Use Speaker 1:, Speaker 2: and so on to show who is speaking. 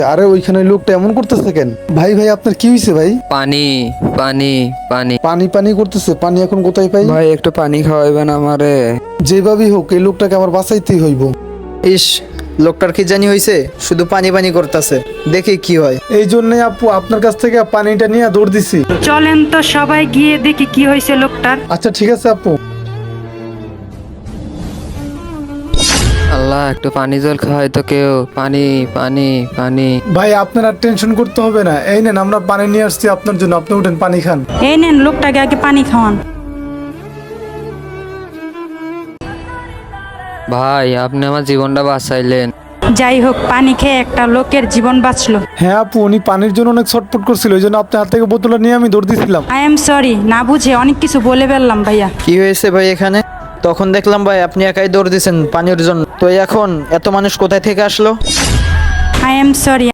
Speaker 1: আরে ওইখানে লোকটা এমন করতেছে কেন? ভাই ভাই আপনার কি হয়েছে ভাই?
Speaker 2: পানি পানি পানি
Speaker 1: পানি পানি করতেছে, পানি এখন কোথায় পাই?
Speaker 3: ভাই একটু পানি খাওয়াইবেন আমারে।
Speaker 1: যেভাবেই হোক এই লোকটাকে আমার বাঁচাইতেই হইব।
Speaker 4: ইস, লোকটার কি জানি হয়েছে, শুধু পানি পানি করতেছে, দেখি কি হয়।
Speaker 1: এই জন্যই আপু আপনার কাছ থেকে পানিটা নিয়ে দৌড় দিছি।
Speaker 5: চলেন তো সবাই গিয়ে দেখি কি হয়েছে লোকটার।
Speaker 1: আচ্ছা ঠিক আছে আপু।
Speaker 2: আল্লাহ একটু পানি জল খাওয়াই তো কেউ। পানি পানি পানি।
Speaker 1: ভাই আপনার আর টেনশন করতে হবে না, এই নেন আমরা পানি নিয়ে আসছি আপনার জন্য, আপনি উঠেন পানি খান।
Speaker 5: এই নেন লোকটাকে আগে পানি খাওয়ান।
Speaker 2: ভাই আপনি আমার জীবনটা বাঁচাইলেন।
Speaker 5: যাই হোক, পানি খেয়ে একটা লোকের জীবন বাঁচলো।
Speaker 1: হ্যাঁ আপু, উনি পানির জন্য অনেক ছটফট করছিল, ওই জন্য আপনার হাত থেকে বোতলটা নিয়ে আমি দৌড় দিছিলাম।
Speaker 5: আই এম সরি, না বুঝে অনেক কিছু বলে ফেললাম ভাইয়া।
Speaker 4: কি হয়েছে ভাই এখানে? তখন দেখলাম ভাই আপনি একাই দৌড় দিয়েছেন পানির জন্য, তো এখন এত মানুষ কোথায় থেকে আসলো?
Speaker 5: I am sorry.